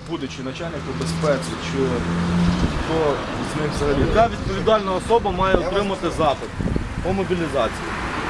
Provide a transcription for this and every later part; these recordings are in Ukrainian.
будучи начальником безпеці, чи хто з них взагалі? Яка відповідальна особа має отримати запит по мобілізації?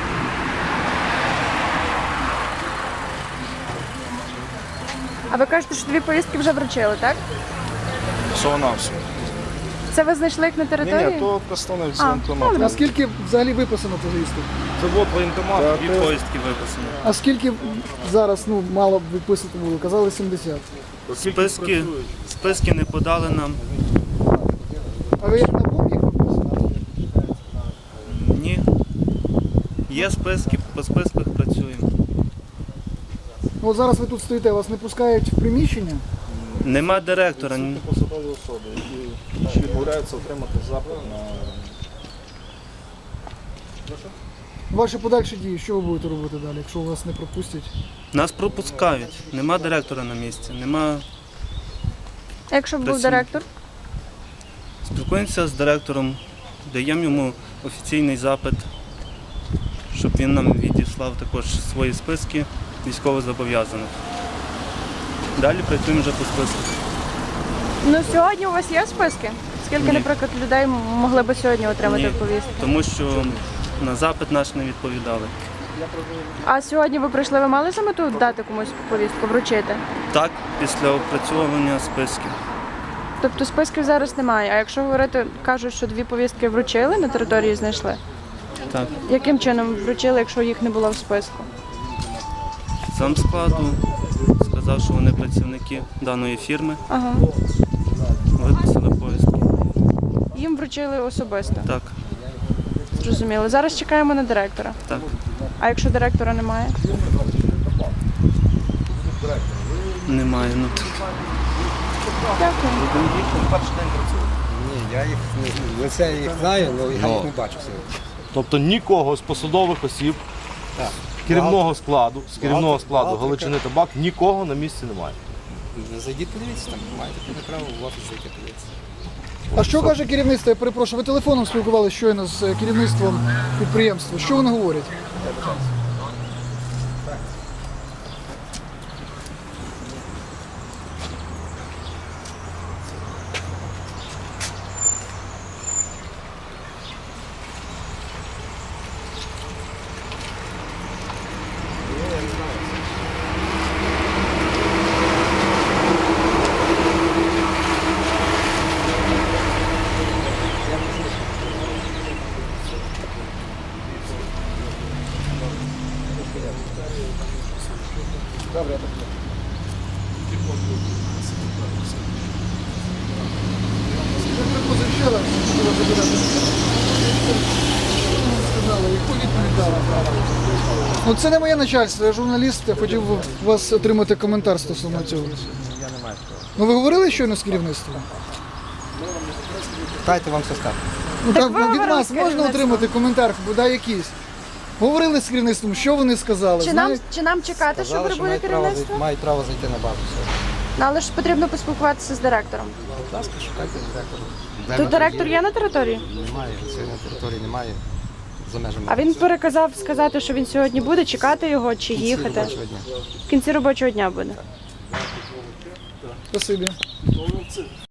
А ви кажете, що 2 повістки вже вручили, так? Всього на все. Це ви знайшли їх на території? Ні, то представник з А, воєнкомату. добре. А скільки взагалі виписано повісток? Це от воєнкомат, Та 2 ти- повістки виписані. А скільки зараз мало б виписати було? Казали 70. Списки не подали нам. А ви як на бум їх виписали? Ні. Є списки, по списках працюємо. Ну, от зараз ви тут стоїте, вас не пускають в приміщення? Нема директора. Це посадові особи, які відмовляються отримати запит на... Ваші подальші дії, що ви будете робити далі, якщо вас не пропустять? Нас пропускають. Нема директора на місці. Нема. А якщо б був Працюємо. директор? Спілкуємося з директором, даємо йому офіційний запит, щоб він нам відіслав також свої списки військовозобов'язаних. Далі працюємо вже по списках. Ну, сьогодні у вас є списки? Скільки, Ні. наприклад, людей могли б сьогодні отримати Ні, повістку? тому що на запит наш не відповідали. А сьогодні ви прийшли, ви мали за мету дати комусь повістку, вручити? Так, після опрацьовування списків. Тобто списків зараз немає. А якщо говорити, кажуть, що 2 повістки вручили, на території знайшли. Так. Яким чином вручили, якщо їх не було в списку? Сам складу сказав, що вони працівники даної фірми, Ага. виписали повістки. Їм вручили особисто. Так, Зрозуміло. Зараз чекаємо на директора. так. А якщо директора немає? Немає. Ну, Дякую. Ні, я їх лице їх знаю, але я їх не бачу сьогодні. Тобто нікого з посадових осіб, Так. керівного складу, з керівного складу Бухгалтер. Галичини Табак, нікого на місці немає. Зайдіть, подивіться, там маєте повне право в офіс зайти подивитися. А що каже керівництво? Я перепрошую, ви телефоном спілкувалися щойно з керівництвом підприємства. Що вони говорять? Ну, це не моє начальство, я журналіст, я хотів би у вас отримати коментар стосовно цього. Ну ви говорили щойно з керівництвом? Дайте вам все скажу. Ну Так так, ви від говорили вас з можна керівництвом? отримати коментар, бодай якийсь. Говорили з керівництвом, що вони сказали? Чи нам чекати, що Казали, що прибуде керівництво? мають право зайти на базу. Все. Ну, але ж потрібно поспілкуватися з директором. Будь ласка, шукайте директора. Тут директор є на території? Немає, сьогодні на території немає. За межами. А він переказав сказати, що він сьогодні буде, чекати його чи їхати. робочого дня. В кінці робочого дня буде. Спасибі.